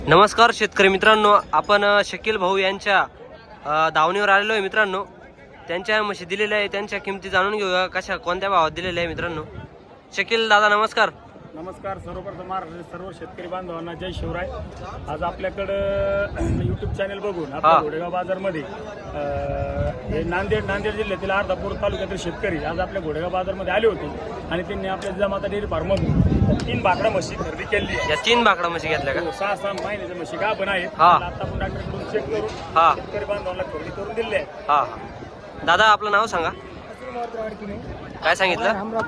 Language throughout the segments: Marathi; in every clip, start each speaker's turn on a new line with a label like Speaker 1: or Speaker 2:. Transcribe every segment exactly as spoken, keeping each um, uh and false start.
Speaker 1: नमस्कार शेतकरी मित्रांनो, आपण शकील भाऊ यांच्या दावणीवर आलेलो आहे मित्रांनो। त्यांच्या म्हशी दिलेल्या आहे, त्यांच्या किमती जाणून घेऊया कशा कोणत्या भावात दिलेल्या आहे मित्रांनो। शकील दादा नमस्कार।
Speaker 2: नमस्कार। सर्वप्रथम महाराष्ट्र सर्व शेतकरी बांधवांना जय शिवराय। आज आपल्याकडं यूट्यूब चॅनल बघून आपल्या घोडेगाव बाजारमध्ये हे नांदेड नांदेड जिल्ह्यातील अर्धापूर तालुक्यातील शेतकरी आज आपल्या घोडेगाव बाजारमध्ये आले होते आणि त्यांनी आपल्या जिजामाता डेअरी फार्ममधून तीन बाकडा म्हशी खरेदी केली।
Speaker 1: या तीन बाकडा म्हशी घेतल्या का?
Speaker 2: सहा सहा महिन्याच्या म्हशी का पण आहेत, आता आपण डॉक्टरकडून चेक करून शेतकरी बांधवांना खरेदी करून दिले आहे।
Speaker 1: हा दादा आपलं नाव सांगा। काय सांगितलं?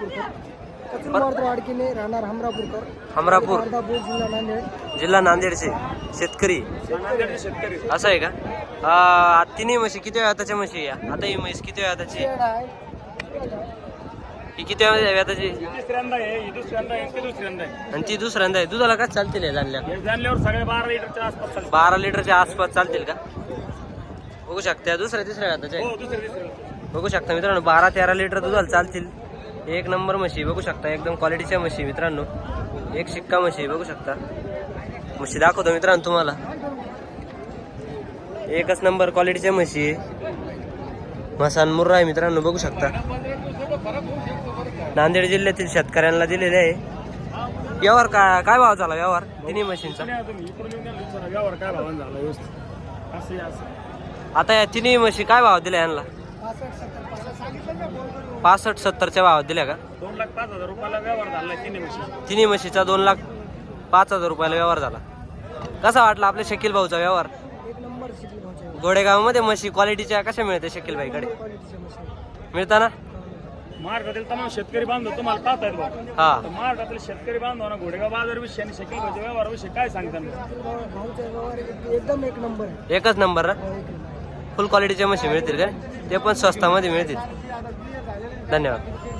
Speaker 3: राहणार हमरापूरकर,
Speaker 1: हमरापूर
Speaker 3: जिल्हा नांदेड।
Speaker 1: जिल्हा नांदेडचे शेतकरी
Speaker 2: शेतकरी
Speaker 1: असं आहे का? तिन्ही म्हशी किती वेळाच्या म्हशी या? आता ही म्हैस किती वेळाची? ही किती वेळाची?
Speaker 2: तिसऱ्यांदा आहे, ही दुसऱ्यांदा आहे, ती दुसऱ्यांदा आहे
Speaker 1: आणि ती दुसऱ्यांदा आहे। दुधाला काय चालतील जाणल्या?
Speaker 2: जाणल्यावर सगळे बारा लिटरच्या आसपास चालतील।
Speaker 1: बारा लिटरच्या आसपास चालतील का? बघू शकता दुसऱ्या तिसऱ्या वेळाच्या
Speaker 2: हो, दुसऱ्या तिसऱ्या
Speaker 1: बघू शकता मित्रांनो, बारा तेरा लिटर दुधाला चालतील। एक नंबर म्हशी बघू शकता, एकदम क्वालिटीच्या म्हशी मित्रांनो, एक शिक्का म्हशी बघू शकता। म्हशी दाखवतो मित्रांनो तुम्हाला, एकच नंबर क्वालिटीच्या म्हशी आहे। मसान मुर्रा आहे मित्रांनो, बघू शकता। नांदेड जिल्ह्यातील शेतकऱ्यांना दिलेले आहे। व्यवहार काय काय भाव झाला व्यवहार तिन्ही म्हशींचा?
Speaker 2: व्यवहार काय भावान झाला व्यवस्थित असे असं।
Speaker 1: आता या तिन्ही म्हशी काय भाव दिल्या यांना? पासष्ट सत्तरच्या भावात दिल्या का?
Speaker 2: दोन लाख पाच हजार रुपयाला व्यवहार झाला तिन्ही म्हशी।
Speaker 1: तिन्ही म्हशीचा दोन लाख पाच हजार रुपयाला व्यवहार झाला। कसा वाटला आपल्या शकील भाऊचा व्यवहार?
Speaker 3: एक नंबर शकील भाऊचा
Speaker 1: घोडेगावमध्ये म्हशी क्वालिटीच्या कशा मिळते शकील भाईकडे? मिळताना
Speaker 2: महाराष्ट्रातील तमाम शेतकरी बांधव तुम्हाला पाहत आहेत बघा।
Speaker 1: हा
Speaker 2: महाराष्ट्रातील शेतकरी बांधवांना घोडेगाव बाजार विषयी आणि शकील भाऊच्या व्यवहाराविषयी काय सांगतात?
Speaker 3: भाऊचा व्यवहार एकदम एक नंबर आहे।
Speaker 1: एकच नंबर ना? फुल क्वालिटीच्या म्हशी मिळतील का? ते पण स्वस्तामध्ये मिळतील। धन्यवाद।